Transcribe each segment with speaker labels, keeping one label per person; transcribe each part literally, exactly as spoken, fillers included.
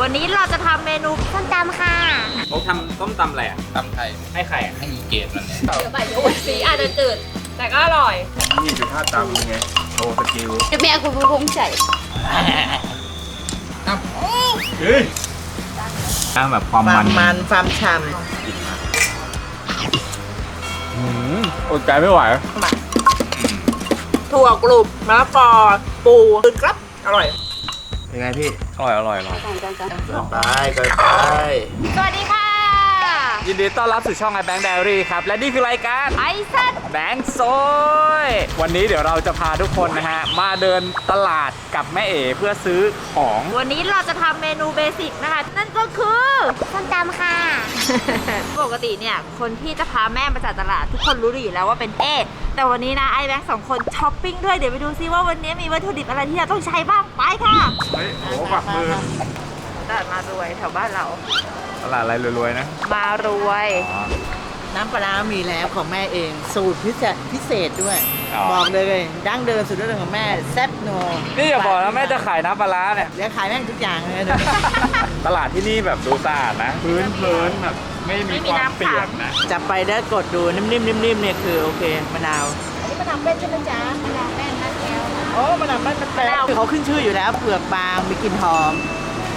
Speaker 1: วันนี้เราจะทำเมนูส้มตำค่ะ
Speaker 2: เขาทำต้มตำอะไรอ่ะตำไทยให้ใครอ่ะให้อีเกตมันเนี่ย
Speaker 1: เดี๋ยวใส่โอ้ยสีอาจจะจืดแต่ก็อร่อย
Speaker 2: นี่คือท่าตำไงโชว์สกิล
Speaker 1: จะแม่คุณผู้ชมใส่
Speaker 2: เฮ้ยตั้งแบบความมัน
Speaker 3: มันความฉ่ำ
Speaker 2: อืมอดใจไม่ไหว
Speaker 3: ถั่วกรุบมะละกอปูตื่นครับอร่อย
Speaker 2: ยังไงพี่อร่อยอร่อยอร่อยไปไปไป
Speaker 1: สวัสดีค่ะ
Speaker 2: ยินดีต้อนรับสู่ช่องไอแบงค์ไดอารี่ครับและนี่คือรายการ
Speaker 1: ไอซัด
Speaker 2: แบงค์โซยวันนี้เดี๋ยวเราจะพาทุกคนนะฮะมาเดินตลาดกับแม่เอ๋เพื่อซื้อของ
Speaker 1: วันนี้เราจะทำเมนูเบสิกนะคะนั่นก็คือส้มตำค่ะปกติเนี่ยคนที่จะพาแม่มาจากตลาดทุกคนรู้ดีอยู่แล้วว่าเป็นเอแต่วันนี้นะไอแบงค์สองคนช้อปปิ้งด้วยเดี๋ยวไปดูซิว่าวันนี้มีวัตถุดิบอะไรที่เราต้องใช้บ้างไปค่ะ
Speaker 2: เฮ้ยโอ้ฝักมือ
Speaker 1: ตลาดมารวยแถวบ้านเรา
Speaker 2: ตลาดอะไรรวยๆนะ
Speaker 1: มารวย
Speaker 3: น้ำปลามีแล้วของแม่เองสูตรพิเศษพิเศษด้วยบอกเลยดั้งเดิมสุดยอดของแม่แซ่บโน
Speaker 2: นี่อย่าบอกนะแม่จะขายน้ำปลาเนี่ย
Speaker 3: เดี๋ยวขายแม่งทุกอย่างเลย
Speaker 2: ตลาดที่นี่แบบดูสะอาดนะพื้นพื้นแบบไม่มีความเปียกนะ
Speaker 3: จับไปแล้วกดดูนิ่มๆนิ่มๆเนี่ยคือโอเคมะนาวอันนี้มะนาวเป็นใช่ไหมจ๊ะมะนาวแป้นมะแก้วโอ้มะนาวแป้นมะแก้วเขาขึ้นชื่ออยู่แล้วเปลือกบางมีกลิ่นหอม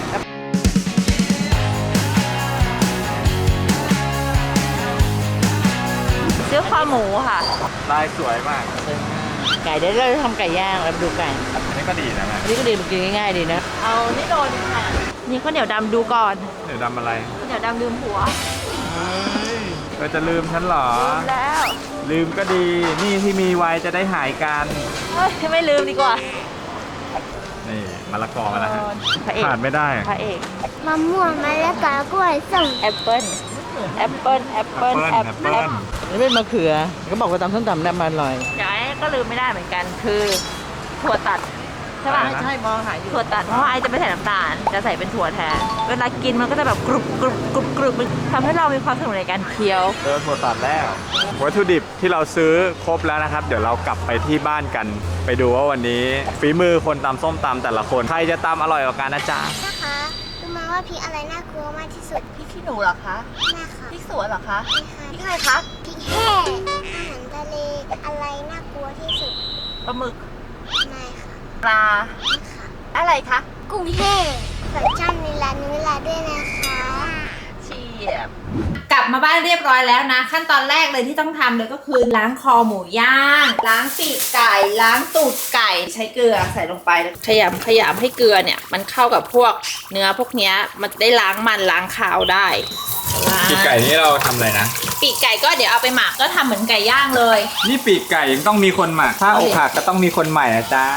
Speaker 1: ซื้อคอหมูค่ะ
Speaker 2: ลายสวยมาก
Speaker 3: ไก่ได้เราทำไก่ย่างแล้วดูไก่
Speaker 2: อันนี้ก็ดีนะแม่
Speaker 3: อันนี้ก็ดีมันกินง่ายๆดีนะเอานี่โดนค่ะ
Speaker 1: นี่ข้าวเหนียวดำดูก่อน
Speaker 2: เหนียวดำอะไร
Speaker 1: ข้าวเหนียวดำลืมผัว
Speaker 2: เฮ้ยเธอจะลืมฉันเหรอ
Speaker 1: ลืมแล้ว
Speaker 2: ลืมก็ดีนี่ที่มีไว้จะได้หายกัน
Speaker 1: เฮ้ยไม่ลืมดีกว่า
Speaker 2: นี่มะละกอมาแล้วฮะขาดไม่ได้
Speaker 1: พระเอก
Speaker 4: มะม่วงมะละกอกล้วยส้ม
Speaker 1: แอปเปิ้ลแอปเปิ้ลแอปเปิ้ลแอปเปิ้ล
Speaker 3: นี่เป็นมะเขือก็บอกว่าตำส้มตำน้ำมันลอย
Speaker 1: ใช่ก็ลืมไม่ได้เหมือนกันคือถั่วตัดใช่ป่ะ
Speaker 3: ใช่มองหายอยู่
Speaker 1: ถั่วตัดเพราะไอจะไม่ใส่น้ำตาลจะใส่เป็นถั่วแทนเวลากินมันก็จะแบบกรุบกรุบกรุบกรุบมันทำให้เรามีความสนุกในการเคี้ยว
Speaker 2: เจอถั่วตัดแล้ววัตถุดิบที่เราซื้อครบแล้วนะครับเดี๋ยวเรากลับไปที่บ้านกันไปดูว่าวันนี้ฝีมือคนตำส้มตำแต่ละคนใครจะตำอร่อยกว่ากันนะจ๊ะ
Speaker 4: นะคะรู้มาว่าพริกอะไรน่ากลัวมากที่สุด
Speaker 1: พริกขี้หนูเหรอคะ
Speaker 4: แม่ค่ะ
Speaker 1: พริกสวนเหรอคะพริกอะไรคะ
Speaker 4: พริกแห้งอาหารทะเลอะไรน่ากลัวที่สุด
Speaker 1: ปลาหมึก
Speaker 4: ไม่ค่ะ
Speaker 1: ปลาอะไรคะ
Speaker 4: กุ้งแห้งขอจ้ำในร้านนี้เวลาด้วยนะคะ
Speaker 1: เชียบกลับมาบ้านเรียบร้อยแล้วนะขั้นตอนแรกเลยที่ต้องทำเลยก็คือล้างคอหมูย่างล้างปีกไก่ล้างตูดไก่ใช้เกลือใส่ลงไปขยำขยำให้เกลือเนี่ยมันเข้ากับพวกเนื้อพวกเนี้ยมันได้ล้างมันล้างคาวได้
Speaker 2: ปีกไก่นี่เราทำอะไรนะ
Speaker 1: ปีกไก่ก็เดี๋ยวเอาไปหมักก็ทำเหมือนไก่ย่างเลย
Speaker 2: นี่ปีกไก่ยังต้องมีคนหมักถ้าอกหักก็ต้องมีคนใหม่นะจ๊ะ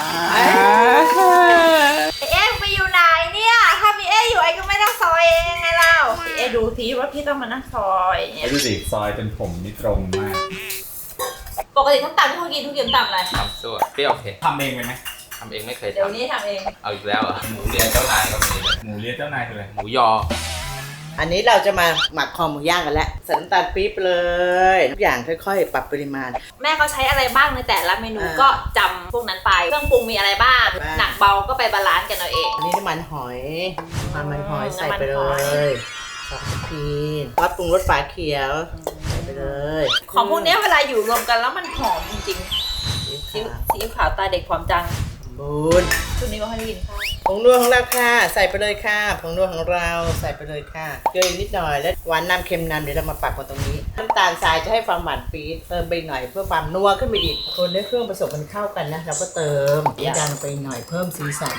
Speaker 1: เอ๊ะไปอยู่ไหนเนี่ยถ้าพี่เอ๊อยู่ไอ้ก็ไม่ต้องซอยเองไงเราพี่เอ๊ดูทีว่าพี่ต้องมานั่งซอย
Speaker 2: เนี่ยดูสิซอยเป็นผมนี่ตรงมาก
Speaker 1: ปกติทั้งตำที่เขากินทุกอย่างตำอะไร
Speaker 5: ตำซั่วเปรี้ยวเผ็ด
Speaker 2: ทำเองไหม
Speaker 5: ทำเองไม่เคยทำ
Speaker 1: เดี๋ยวนี้ทำเอง
Speaker 5: เอาอีกแล้วเหรอหมูเรียนเจ้านายก็มี
Speaker 2: หมูเรียนเจ้านายคืออะไร
Speaker 5: หมูยอ
Speaker 3: อันนี้เราจะมาหมักคอหมูย่างกันแล้วใส่น้ำตาลปี๊บเลยทุกอย่างค่อยๆปรับปริมาณ
Speaker 1: แม่เขาใช้อะไรบ้างในแต่ละเมนูก็จำพวกนั้นไปเครื่องปรุงมีอะไรบ้างหนักเบาก็ไปบาลานซ์กันเอาเอง
Speaker 3: อันนี้น้ำมันหอยน้ำมันหอยใส่ไปเลยซอสพีนซอสปรุงรสฝาเขียวใส่ไปเลย
Speaker 1: ของพวกนี้เวลาอยู่รวมกันแล้วมันหอมจริงๆซีอิ๊วขาวตาเด็กความจัง
Speaker 3: บูน
Speaker 1: ชุดนี้ก็ให้กินข้าว
Speaker 3: ผงนัวของเราค่ะใส่ไปเลยค่ะผงนัวของเราใส่ไปเลยค่ะเกลือนิดหน่อยแล้วหวานน้ำเค็มน้ำเดี๋ยวเรามาปักกันตรงนี้น้ำตาลทรายจะให้ความหวานปี๊ดเติมไปหน่อยเพื่อความนัวขึ้นไปอีกคนให้เครื่องผสมกันเข้ากันนะเราก็เติมน้ำตาลไปหน่อยเพิ่มสีสัน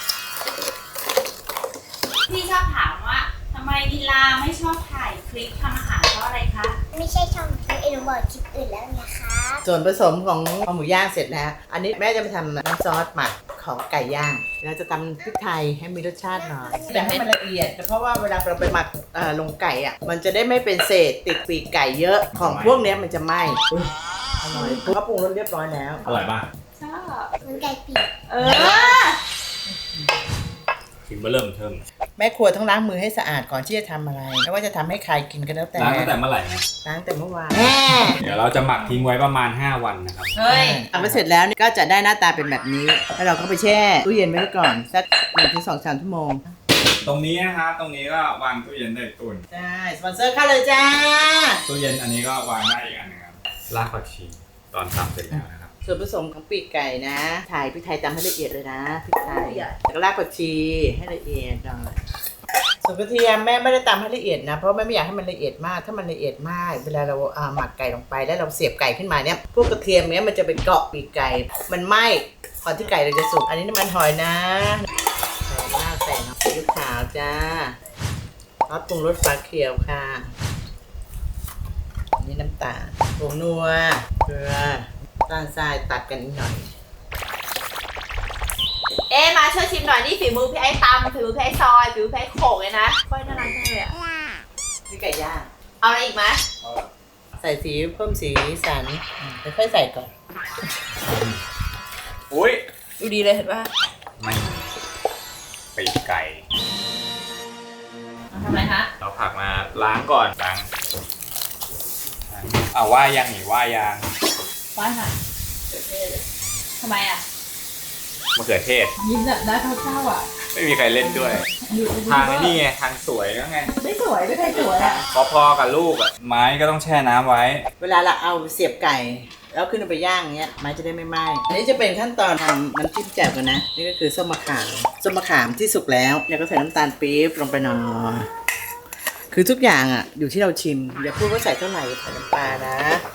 Speaker 1: พี่ชอบถามว่าทำไมดิลาไม่ชอบถ่ายคลิปทำอาหารเพราะอะไรคะ
Speaker 4: ไม่ใช่ช่องเอ็นบอกคลิปอื่นแล้วนะคะ
Speaker 3: ส่วนผสมของหมูย่างเสร็จแล้วอันนี้แม่จะมาทำน้ำซอสหมักของไก่ย่างเราจะตำพริกไทยให้มีรสชาติหน่อยแต่ให้มันละเอียดเพราะว่าเวลาเราไปหมักลงไก่อ่ะมันจะได้ไม่เป็นเศษติดปีกไก่เยอะของพวกนี้มันจะไหม้อร่อยเขาปรุงรสเรียบร้อยแล้ว
Speaker 2: อร่อยป่ะ
Speaker 1: ชอบ
Speaker 4: เหมือนไก่ปีก
Speaker 1: เออ
Speaker 2: กินมาเริ่มเทิม
Speaker 3: แม่ครัวต้องล้างมือให้สะอาดก่อนที่จะทำอะไรไม่ว่าจะทำให้ใครกินก็แล้วแต่
Speaker 2: ล้างตั้งแต่เมื่อไหร่นะ
Speaker 3: ล้างแต่เมื่อวาน
Speaker 2: เดี๋ยวเราจะหมักทิ้งไว้ประมาณห้าวันนะครับ
Speaker 1: เฮ้ย
Speaker 3: เอาไปเสร็จแล้วก็จะได้หน้าตาเป็นแบบนี้แล้วเราก็ไปแช่ตู้เย็นไว้ก่อนสักหนึ่งถึงสองสามชั่วโมง
Speaker 2: ตรงนี้นะครับตรงนี้ก็วางตู้เย็นได้ตุน
Speaker 3: ใช่สปอนเซอร์เข้าเลยจ้า
Speaker 2: ตู้เย็นอันนี้ก็วางได้อีกอันหนึงครับรากผักชีตอนทำเสร็จแล้วนะครับ
Speaker 3: ส่วนผสมของปีกไก่นะถ่ายพริกไทยตำให้ละเอียดเลยนะพริกไทยแล้วก็รากผักชีให้ละเอียดหน่อยส่วนกระเทียมแม่ไม่ได้ตำให้ละเอียดนะเพราะแม่ไม่อยากให้มันละเอียดมากถ้ามันละเอียดมากเวลาเราอ่าหมักไก่ลงไปแล้วเราเสียบไก่ขึ้นมาเนี่ยพวกกระเทียมเนี้ยมันจะไปเกาะปีกไก่มันไหม้ก่อนที่ไก่เราจะสุกอันนี้น้ำมันหอยนะใส่มากใส่น้ำซีอิ๊วขาวจ้าซอสปรุงรสฟ้าเขียวค่ะอันนี้น้ำตาลผงนัวเกลือน้ำตาลทรายตัดกันนิดหน่อย
Speaker 1: เอ๊ะมาช่วยชิมหน่อยนี่ฝีมือพี่ไอ้ตำฝีมือพี่ไอ้ซอยฝีมือพี่ไอ้โขกเลยนะค่อยน่ารักจังเลยอะ
Speaker 3: นี่ไก่ย่าง
Speaker 1: เอาอะไรอีกไหม
Speaker 3: ใส่สีเพิ่มสีสันอืมค่อยๆใส่ก่อน
Speaker 2: อุ้ย
Speaker 1: ดูดีเลยเห็นป่ะ
Speaker 2: ไม่ปีกไก่
Speaker 1: ทำอะไรคะ
Speaker 2: เราผักมาล้างก่อนล้างอ่าว่ายังหนีว่ายัง
Speaker 1: ว่าค่ะทำไมอ่ะ
Speaker 2: มะเขือเทศ
Speaker 1: ยิ้มแบบได้เศร้าๆอ่ะ
Speaker 2: ไม่มีใครเล่นด้วย ทางไอ้นี่ไงทางสวยก็ไง
Speaker 1: ไม่สวยไม่ใช่สวยอ่ะ
Speaker 2: พอๆกับลูกอ่ะไม้ก็ต้องแช่น้ำไว้
Speaker 3: เวลาเราเอาเสียบไก่แล้วขึ้นไปย่างเงี้ยไม้จะได้ไม่ไหม้อันนี้จะเป็นขั้นตอนทำน้ำจิ้มแจ่วกันนะนี่ก็คือส้มมะขามส้มมะขามที่สุกแล้วแล้วก็ใส่น้ำตาลปี๊บลงไปหน่อยคือทุกอย่างอ่ะอยู่ที่เราชิมอย่าพูดว่าใส่เท่าไหร่ใส่น้ำปลานะ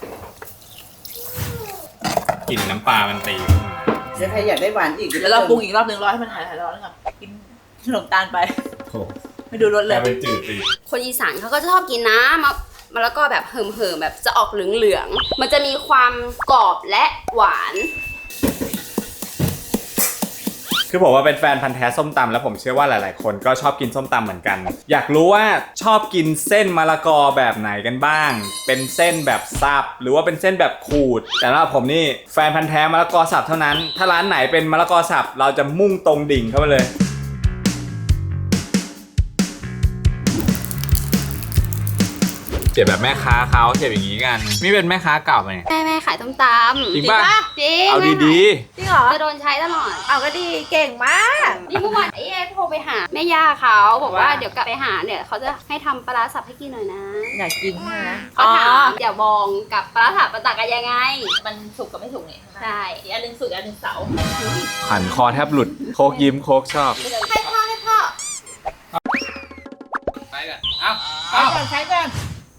Speaker 2: กลิ่นน้ำปลามันตี
Speaker 3: ถ้าใครอยากได้หวานอีก
Speaker 1: แล้วเราปรุงอีกรอบหนึ่งรอให้มันหายหายร้อนก่อนกินขนมตาลไป
Speaker 2: โอ้
Speaker 1: ไม่ดูรสเล
Speaker 2: แต่
Speaker 1: ย
Speaker 2: เป็นจืดตี
Speaker 6: คนอีสานเขาก็จะชอบกินน้ำมะมะละกอแบบเหิมๆแบบจะออกเหลืองๆ มันจะมีความกรอบและหวาน
Speaker 2: คือผมว่าเป็นแฟนพันธ์แท้ส้มตำแล้วผมเชื่อว่าหลายๆ คนก็ชอบกินส้มตำเหมือนกัน อยากรู้ว่าชอบกินเส้นมะละกอแบบไหนกันบ้าง เป็นเส้นแบบสับหรือว่าเป็นเส้นแบบขูด แต่สำหรับผมนี่แฟนพันธ์แท้มะละกอสับเท่านั้น ถ้าร้านไหนเป็นมะละกอสับเราจะมุ่งตรงดิ่งเข้าไปเลยเสียบแบบแม่ค้าเขาเสียบอย่างนี้กันนี่เป็นแม่ค้าเก่าไหม
Speaker 6: แม่แม่ขายต้มตำ
Speaker 2: จริงป่ะ
Speaker 6: จริง
Speaker 2: เอาดี
Speaker 1: จริงเหรอ
Speaker 6: ๆจะโดนใช้ตลอด
Speaker 1: เอาก็ดีเก่งมาก
Speaker 6: นี่เมื่อวานไอ้เอโทรไปหาแม่ย่าเขาบอกว่า
Speaker 1: ว่า
Speaker 6: เดี๋ยวกลับไปหาเนี่ยเขาจะให้ทำปลาร้าสับให้กินหน่อยนะ
Speaker 1: อยากกินนะ
Speaker 6: เขาถามเดี๋ยวบองกับปลาร้าสับมันต่างกันยังไง
Speaker 1: มันสุกกับไม่สุกนี่
Speaker 6: ใช่
Speaker 1: อีกอันหนึงสุกอีกอันหนึงเสา
Speaker 2: ๆหันคอแทบหลุดโคกยิ้มโคกชอบ
Speaker 1: ให้พ่อให้พ่อ
Speaker 5: ไปกัน เอ้า
Speaker 1: ใช้ก่อนใช้ก่อน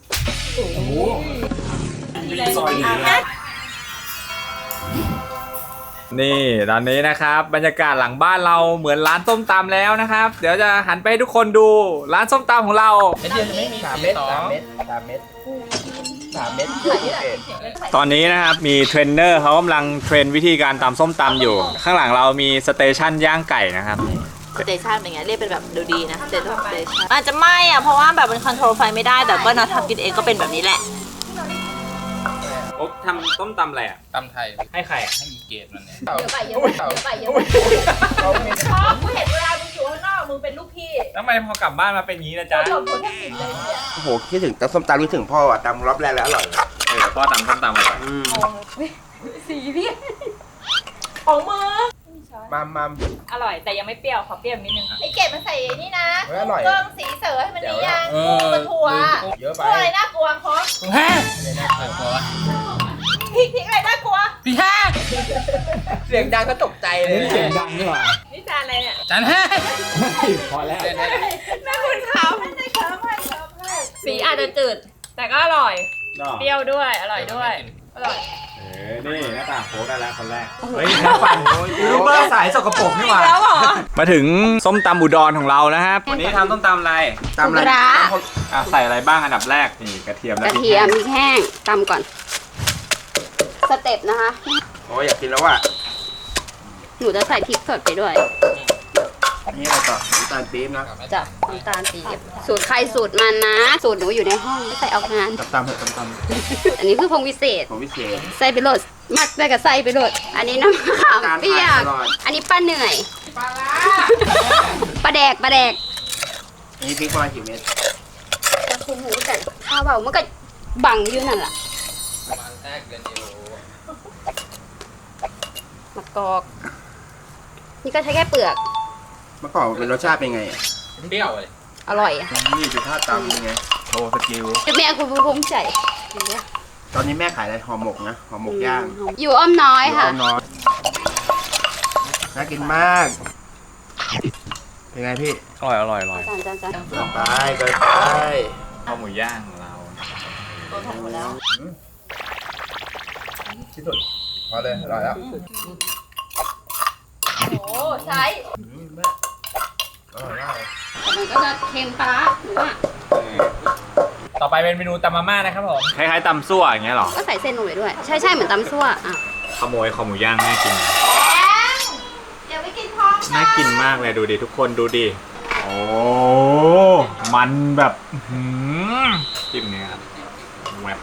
Speaker 2: นี่ตอนนี้นะครับบรรยากาศหลังบ้านเราเหมือนร้านส้มตำแล้วนะครับ เดี๋ยวจะหันไปให้ทุกคนดูร้านส้มตำของเรา
Speaker 5: เดียวจะไม่มี
Speaker 3: สามเม็ดสามเม็ดสามเม็ดสามเม็ด
Speaker 2: ตอนนี้นะครับมีเทรนเนอร์เขากำลังเทรนวิธีการตำส้มตำอยู่ ข้างหลังเรามีสเตชันย่างไก่นะครับ
Speaker 1: สเตชันเป็นไงเรียกเป็นแบบดูดีนะสเตชันสเตชันอาจจะไม่อ่ะเพราะว่าแบบมันคอนโทรลไฟไม่ได้แต่ก็เนาะทำกินเองก็เป็นแบบนี้แหละ
Speaker 2: โอ๊บทำส้มตำอะไรอ่ะ
Speaker 5: ตำไทย
Speaker 2: ให้ใครอ่ะ
Speaker 5: ให้มีเกรดมันเนี่ย
Speaker 1: เยอะไปเยอะไปเยอะไปเยอะไปชอบกูเห็นเวลามึงอยู่ข้างนอกมึงเป็นลูกพี่
Speaker 2: ทำไมพอกลับบ้านมาเป็นงี้นะจ๊ะ
Speaker 1: หลบคนแทบผิดเลยเนี่ย
Speaker 7: โอ้โหคิดถึงตำส้มตำคิดถึงพ่ออ่ะตำรอบแรกแล้วอร่อย
Speaker 2: เออพ่อตำส้มตำอร่อย
Speaker 7: อืม
Speaker 1: สีพี่ของมือ
Speaker 7: มัมมัม
Speaker 8: อร่อยแต่ยังไม่เปรี้ยวขอเปรี้ยวนิดนึง
Speaker 1: ไอ้เก็บมันใส่นี่นะ
Speaker 7: เฮ้ยอร่อย
Speaker 1: เครื่องสีเสริให้มันดียัง
Speaker 5: เออ
Speaker 1: มันถั่ว
Speaker 7: เยอะไป
Speaker 1: ถั่วอะไรน่ากลัวคอส
Speaker 5: ฮะเออพอวะ
Speaker 1: พริกพริกอะไรน่ากลัว
Speaker 5: พี่ฮะ
Speaker 7: เสียงดังก็ตกใจเลย
Speaker 2: เสียงดังนี่หว่า
Speaker 8: นี่จานอะไรเนี่ย
Speaker 5: จันฮะ
Speaker 2: พอแล้ว
Speaker 5: เล่นได้
Speaker 8: แม่คุณเขา
Speaker 1: ไม่ได้เคิร์ฟให้เคิร์ฟให้
Speaker 8: สีอาจจะจืด แต่ก็อร่อย
Speaker 2: เนาะ
Speaker 8: เปรี้ยวด้วย อร่อยด้วย อร่อย
Speaker 2: เออนี่หน้าต่างโค้กได้แล้วคนแรกเฮ้ยน้ำปั่นยูทูบเบอร์สายสกปรกนี่หว่า
Speaker 8: แล้วเหรอ
Speaker 2: มาถึงส้มตำอุดรของเรานะครับ วันนี้ทำส้มตำอะไร
Speaker 7: ตำอะไร
Speaker 6: ปลาร้า
Speaker 2: อ่ะใส่อะไรบ้างอันดับแรกนี่กระเทียม
Speaker 6: ก
Speaker 2: และ
Speaker 6: ระ
Speaker 2: พริก
Speaker 6: เทียม
Speaker 2: แห้ง
Speaker 6: พริกแห้งตำก่อน สเต็ปนะคะ
Speaker 7: โอ้ยอยากกินแล้วว่ะ
Speaker 6: หนูจะใส่พริกสดไปด้วย
Speaker 7: นี่อะไรต่อน้ำตาลปี๊บนะ
Speaker 6: จับน้ำตาลปี๊บสูตรใครสูตรมันนะ สูตรหนูอยู่ในห้องไม่ใส่ออกงาน
Speaker 7: ตำตำเถอะตำต
Speaker 6: อันนี้คือพงวิเศษ
Speaker 7: ำของพิเศษ
Speaker 6: ใส่ไปโหลดมักได้กับใส่ไปโหลด อันนี้น้ำมะขามเปียก
Speaker 7: ตลอด
Speaker 6: อันนี้ปลาเหนื่อยปลาแดกปลาแดก
Speaker 7: อันนี้พริกประมาณกี่เม็ด
Speaker 6: จะคุณหูกันข้าวเบามันก็บังอยู่นั่นแหละ
Speaker 5: ประมาณแรกเดือนเดียว
Speaker 6: มะกอก นี่ก็ใช้แค่เปลือก
Speaker 7: มะกอกเป็นรสชาติเป็นไงอ่ะ
Speaker 5: เปรี้ยวเลย
Speaker 6: อร่อยอะ
Speaker 7: นี่ดูท่าตำยังไงโชว์สกิล
Speaker 6: แม่คุณภูมิใจเห็นไหม
Speaker 7: ตอนนี้แม่ขายอะไรห่อหมกนะห่อหมกย่าง
Speaker 6: อยู่อ้อมน้อยค่ะ
Speaker 7: เอาน้อยน่ากินมาก เป็นไงพี่
Speaker 2: อร่อยอร่อยอร่อย
Speaker 6: จานจานจาน
Speaker 7: ต่อไปไปไป
Speaker 2: ข้าวหมูย่างของเรา
Speaker 1: ตัวถ่ายหมดแล้ว
Speaker 7: ที่สุดพอเลยอร่อยแล้ว
Speaker 6: โอ้ใช้
Speaker 7: อร่อยมากเลย
Speaker 6: มันก็จะเค็มปลาหรือว่า
Speaker 2: ต่อไปเป็นเมนูตำมาม่านะครับผมคล้ายๆตำซั่วอย่างเงี้ยหรอ
Speaker 6: ก็ใส่เส้นลงไปด้วย ใช่ใช่เหมือนตำซั่วอ่ะ
Speaker 2: ขโมยข้าวหมูย่างน่ากิน
Speaker 1: เดี๋ยวไปกินพร้อมกั
Speaker 2: น่ากินมากเลยดูดิทุกคนดูดิโอ้มันแบบหืมจิ้มเนี้ยครับแหวบ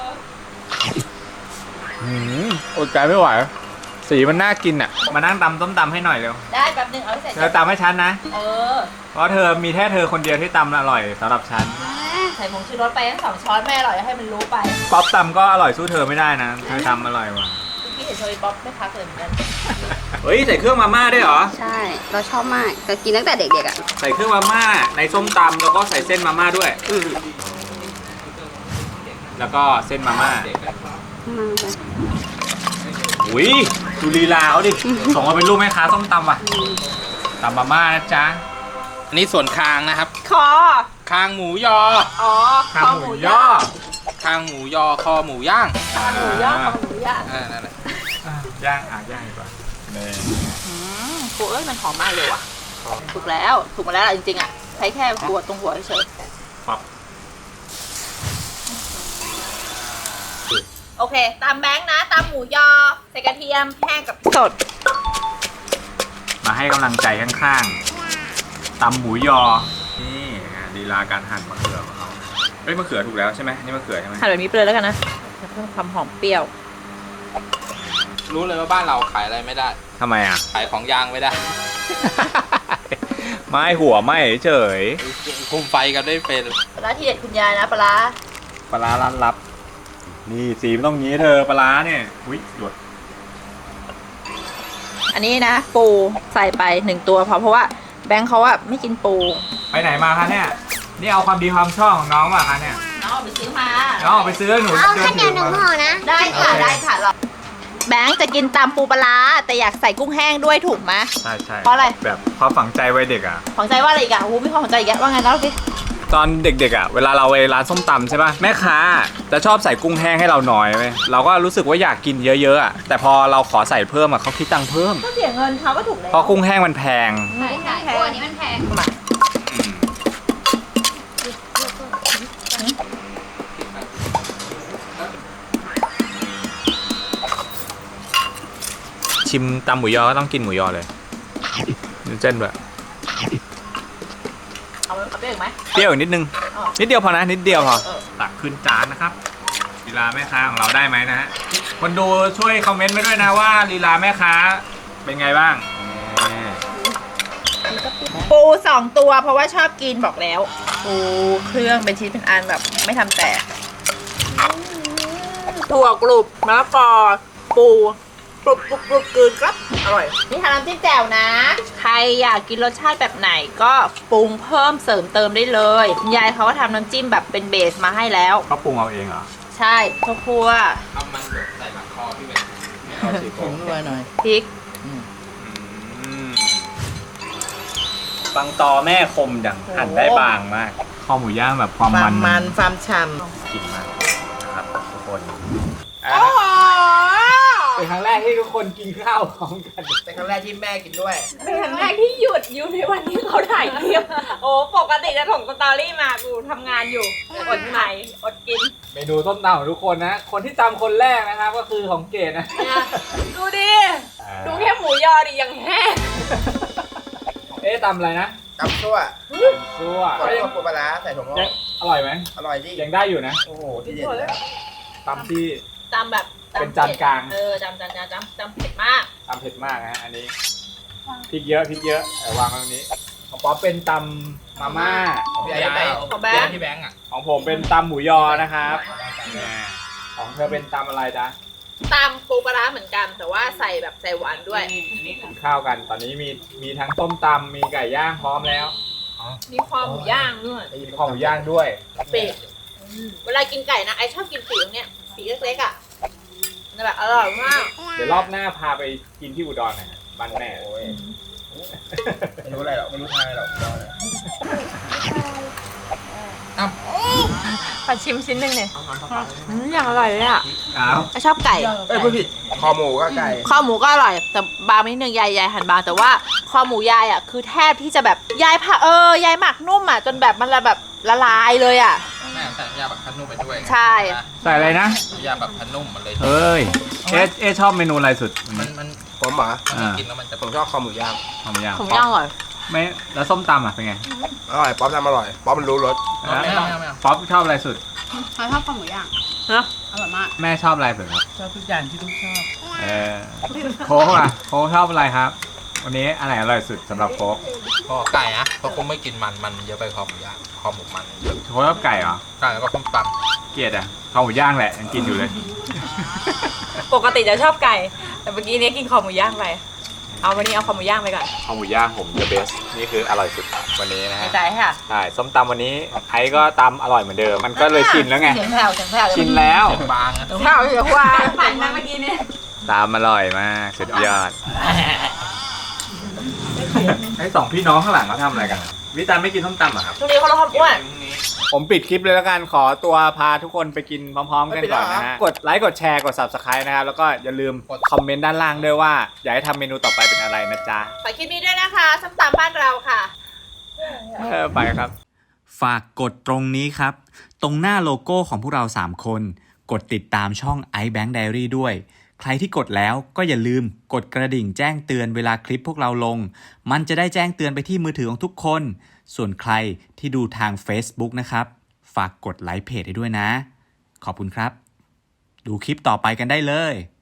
Speaker 2: หืมอดใจไม่ไหวสีมันน่ากินอ่ะมานั่งตำต้มตำให้หน่อยเร็ว
Speaker 1: ได้แป๊บนึงเอาให้เสร็จ
Speaker 2: เธอตำให้ฉันนะ
Speaker 1: เออ
Speaker 2: เพราะเธอมีแค่เธอคนเดียวที่ตำอร่อยสำหรับฉัน
Speaker 1: ใส่ผงชูรสไปทั้งสองช้อนไม่อร่อยให้มันรู้ไป
Speaker 2: ป๊อปตำก็อร่อยสู้เธอไม่ได้นะเธอทำอร่อยว่ะ
Speaker 1: พี่เห็นโชยบ๊อบไม่พักเลยเหมือนกัน
Speaker 2: เฮ้ยใส่เครื่องมาม่าด้วยเหรอ
Speaker 6: ใช่ เราชอบมากก็กินตั้งแต่เด็กๆอ่ะ
Speaker 2: ใส่เครื่องมาม่าในส้มตำแล้วก็ใส่เส้นมาม่าด้วย
Speaker 6: อืม
Speaker 2: แล้วก็เส้นมาม่า
Speaker 6: มาไป
Speaker 2: อุ้ยดูลีลาเขาดิ ส่งมาเป็นรูปแม่ค้าส้มตำว่ะตำมาม่านะจ๊ะ
Speaker 5: อันนี้ส่วนคางนะครับ
Speaker 1: คอ
Speaker 5: คางหมูยอ
Speaker 1: อ๋อ
Speaker 2: ข้าวหมูย่อ
Speaker 5: คางหมูยอ คอหมูย่าง
Speaker 1: คอหมูย่างคอหมูย่าง
Speaker 5: อ่านั่นแหละ
Speaker 2: อ่ะย่างอ่ะย่างดีกว่านี่
Speaker 1: อืมครูเอ้ยมันหอมมากเลยว่ะถูกแล้วถูกมาแล้วล่ะจริงๆอ่ะใช้แค่หัวตรงหัวเฉย
Speaker 2: ปั๊บ
Speaker 1: โอเคตามแบงค์นะตามหมูยอใส่กระเทียมแห้งกับสด
Speaker 2: มาให้กำลังใจข้างๆตำหมูยอ นี่อ่ะลีลาการหั่นมะเขือของเราเฮ้ยมะเขือถูกแล้วใช่ไหมนี่มะเขือใช่ไหม
Speaker 1: หั่นแบบนี้ไปเลยแล้วกันนะเพิ่มความหอมเปรี้ยว
Speaker 5: รู้เลยว่าบ้านเราขายอะไรไม่ได้
Speaker 2: ทำไมอ่ะ
Speaker 5: ขายของยางไม่ได้
Speaker 2: ไม่หัวไม่เฉย
Speaker 5: คุมไฟกันได้เป็น
Speaker 1: ปลาร้าที่เด็ดคุณยายนะปลาร้า
Speaker 2: ปลาร้าร้านลับ นี่สีมันต้องงี้เธอปลาร้าเนี่ยอุ้ยหยด
Speaker 1: อันนี้นะ ปูใส่ไปหนึ่งตัวพอเพราะว่าแบงค์เขาอะไม่กินปู
Speaker 2: ไปไหนมาคะเนี่ย นี่เอาความดีความชอบของน้องมาคะเนี่ย
Speaker 1: น้องเอาไปซื้อมา
Speaker 2: น้องออกไปซื้อหนู
Speaker 4: เอา
Speaker 2: เดิ
Speaker 4: ข้าวน เหนี
Speaker 2: ถื
Speaker 4: ยว
Speaker 2: อ
Speaker 4: หนึ่ง
Speaker 2: มา
Speaker 4: ห่อนะ
Speaker 1: ได้ค่ะได้ค่ะเราแบงค์จะกินตามปูปลาร้าแต่อยากใส่กุ้งแห้งด้วยถูกไหม
Speaker 2: ใช่ใช่
Speaker 1: เพราะอะไร
Speaker 2: แบบความฝังใจวัยเด็กอ่ะ
Speaker 1: ของใจว่าอะไรอีกอะโอ้โหมีความของใจอีกอะว่าไงแล้วสิ
Speaker 2: ตอนเด็กๆอ่ะเวลาเราไปร้านส้มตำใช่ป่ะแม่ค้าจะชอบใส่กุ้งแห้งให้เราหน่อยไหมเราก็รู้สึกว่าอยากกินเยอะๆอ่ะแต่พอเราขอใส่เพิ่มอ่ะเขาคิดตังค์เพิ่ม
Speaker 1: ก็เสียเงินเขาก็ถูกแล้ว
Speaker 2: เพราะกุ้งแห้งมันแพง
Speaker 6: ใช่ใช่ตัวนี้มันแพง
Speaker 2: อืมชิมตำหมูยอก็ต้องกินหมูยอเลยดูเส้นแบบ
Speaker 1: เอาไปเอาไปอีกไหม
Speaker 2: เปรี้ยวอีกนิดนึง
Speaker 1: อ๋อ
Speaker 2: นิดเดียวพอนะนิดเดียวพอ
Speaker 1: เออ
Speaker 2: ตักขึ้นจานนะครับลีลาแม่ค้าของเราได้ไหมนะฮะคนดูช่วยคอมเมนต์มาด้วยนะว่าลีลาแม่ค้าเป็นไงบ้าง
Speaker 1: ปูสองตัวเพราะว่าชอบกินบอกแล้ว ปูเครื่องเป็นชิ้นเป็นอันแบบไม่ทำแตกถั่วกรุบมะละกอปูกรุบกรุบกรุบกลืนครับอร่อยนี่ทำน้ำจิ้มแจ่วนะ ใครอยากกินรสชาติแบบไหนก็ปรุงเพิ่มเสริมเติมได้เลยคุณยายเขาก็ทำน้ำจิ้มแบบเป็นเบสมาให้แล้ว
Speaker 2: เขาปรุงเอาเองเหรอ
Speaker 1: ใช่ข้าวคั่ว
Speaker 5: เอามันหยดใส่หลังคอพี่เบน
Speaker 2: เอาสิ
Speaker 3: ผงนัวหน่อย
Speaker 1: พริก
Speaker 2: บางตอแม่คมดังหั่นได้บางมากข้าวหมูย่างแบบความ
Speaker 3: ควา
Speaker 2: มั
Speaker 3: ม
Speaker 2: น
Speaker 3: มันความฉ่
Speaker 2: กินมากนะครับทุกคน
Speaker 1: โอ้โห
Speaker 2: เป็นครั้งแรกที่ทุกคนกินข้าวพร้อมกัน
Speaker 7: เป็นครั้งแรกที่แม่กินด้วย
Speaker 8: เป็นครั้งแรกที่หยุดอยู่ในวันที่เขาถ่ายคลิป โอ้ปกติจะส่งสตอรี่มากูทำงานอยู่ อดไหนอดกิน
Speaker 2: เมนูต้มตำของทุกคนนะ คนที่ตำคนแรกนะครับก็คือของเกดนะ
Speaker 8: ดูดิ ดูแค่หมูยอดิยังแห้ง
Speaker 2: เอ๊ะตำอะไรนะ
Speaker 7: ตำซั่ว
Speaker 2: ซัว
Speaker 7: ก่อนที่ปูปลาร้าใส่ถั่วงอ
Speaker 2: ยัง
Speaker 7: ก
Speaker 2: อร่อยไหม
Speaker 7: อร่อยดิ
Speaker 2: ยังได้อยู่นะ
Speaker 7: โอ้โหที่เด็ดเลย
Speaker 2: ตำที่
Speaker 1: จำแบบ
Speaker 2: เป็นจานกลาง
Speaker 1: เออจำจานจานจำจำเผ็ดมาก
Speaker 2: ตำเผ็ดมากนะฮะอันนี้พริกเยอะพริกเยอะแต่วางไว้ตรงนี้ของป๊อปเป็นตำมาม่า
Speaker 7: พี่ไอ้ไป
Speaker 1: ของแบงค์
Speaker 5: พี่แบงค์อ่ะ
Speaker 2: ของผมเป็นตำหมูยอนะครับเนี่ยของเธอเป็นตำอะไรจ๊ะ
Speaker 1: ตำปูปลาร้าเหมือนกัน แต่ว่าใส่แบบใส่หวานด้วย
Speaker 2: กินข้าวกันตอนนี้มีมีทั้งต้มตำมีไก่ย่างพร้อมแล้ว
Speaker 5: อ๋อ
Speaker 8: มีความหมูย่างด้วย
Speaker 2: มีคอหมูย่างด้วย
Speaker 1: ปีกเวลากินไก่นะไอชอบกินปีกตรงเนี้ยปีกเล็กๆอ่ะมันแบบอร่อยมาก
Speaker 2: เดี๋ยวรอบหน้าพาไปกินที่อุดรหน่อยนะบ้านแม่
Speaker 7: โอ้ยไม่รู้อะไรหรอกไม่รู้ทางอะไรหรอกรอเลย
Speaker 8: ขอชิมชิ้นหนึ่งเนี่ยอืมอย่างอร่อยเลยอ่ะ
Speaker 2: อ้าว
Speaker 1: ไอชอบไก่
Speaker 7: เอ้ยพูดผิดคอหมูก็ไก่
Speaker 1: ข้าวหมูก็อร่อยแต่บางนิดนึงยายยายหั่นบางแต่ว่าคอหมูยายอ่ะคือแทบที่จะแบบยายผ่าเออยายหมักนุ่มอ่ะจนแบบมันละแบบละลายเลยอ่ะ
Speaker 5: แม่ใส่น้ำยาแบบพันนุ่มไปด้วย
Speaker 1: ใช่
Speaker 2: ใส่อะไรนะ
Speaker 5: น้ำยาแบบพันนุ่มหมดเลย
Speaker 2: เอ้ย เอ๊ะเอ๊ะชอบเมนูอะไรสุด
Speaker 5: มันมัน
Speaker 7: ผมเหรอ
Speaker 5: มันกินแล้วมันจะ
Speaker 7: ผมชอบคอหมูย่าง
Speaker 2: คอหมูย่าง
Speaker 1: ผมย่างอร่อย
Speaker 2: ไม่แล้วส้มตำอ่ะเป็นไง
Speaker 7: อร่อยป๊อปทำอร่อยป๊อปมันรู้รส
Speaker 5: ไม่เอาไม่เอาไม่เอา
Speaker 2: ป๊อปชอบอะไรสุด
Speaker 6: เขาชอบข้าวหมูย่าง
Speaker 1: ฮะ
Speaker 6: อร่อยมาก
Speaker 2: แม่ชอบอะไรสุดครับ
Speaker 3: ชอบทุกอย่างที่ลูกชอบ
Speaker 2: เออโค้กอ่ะโค้กชอบอะไรครับ วันนี้อันไหนอร่อยสุดสำหรับโค้ก
Speaker 5: พอไก่นะเพราะคงไม่กินมันมันเยอะไปคอหมูย่างคอหมูมันเยอะ
Speaker 2: โค้กชอบไก่เหรอ
Speaker 5: ไก่แล้วก็ส้มต
Speaker 2: เกลียดอ่ะข้าวหมูย่างแหละยังกินอยู่เลย
Speaker 8: ปกติจะชอบไก่ แต่เมื่อกี้เนี้ยกินคอหมูย่างไป เอาวันนี้เอาคอหมูย่างไปก่อน
Speaker 2: ข้าวหมูย่างผม the best นี่คืออร่อยสุดวันนี้นะฮะ
Speaker 1: ใจค่ะ
Speaker 2: ใช่ส้มตำวันนี้ไอ้ก็ตำอร่อยเหมือนเดิม มันก็เลยชินแล้วไง
Speaker 1: เสียงแผ่วเสียงแผ่ว
Speaker 2: ชินแล้ว
Speaker 5: ำบางนะ
Speaker 1: เสียงแผ่วเสียงหวานปั่นมาเมื่อกี้เนี่ย
Speaker 2: ตามอร่อยมากสุดยอดไอ้สองพี่น้องข้างหลังเขาทำอะไรกันอะวิจารณ์ไม่กินส้มตำเหรอครับ
Speaker 1: ช่วงนี้เขาลดความอ้วน
Speaker 2: ผมปิดคลิปเลยแล้วกัน ขอตัวพาทุกคนไปกินพร้อมๆกันก่อนนะฮะ กดไลค์กดแชร์กด Subscribe นะครับ แล้วก็อย่าลืมคอมเมนต์ด้านล่างด้วยว่า อยากให้ทำเมนูต่อไปเป็นอะไรนะจ๊ะ
Speaker 1: ฝากคลิปนี้ด้วยนะคะส้มตำบ้านเราค่ะ
Speaker 2: เออไปครับ ฝากกดตรงนี้ครับ ตรงหน้าโลโก้ของพวกเราสามคน กดติดตามช่อง iBank Diary ด้วย ใครที่กดแล้วก็อย่าลืมกดกระดิ่งแจ้งเตือนเวลาคลิปพวกเราลง มันจะได้แจ้งเตือนไปที่มือถือของทุกคน ส่วนใครที่ดูทาง Facebook นะครับ ฝากกดไลค์เพจให้ด้วยนะ ขอบคุณครับ ดูคลิปต่อไปกันได้เลย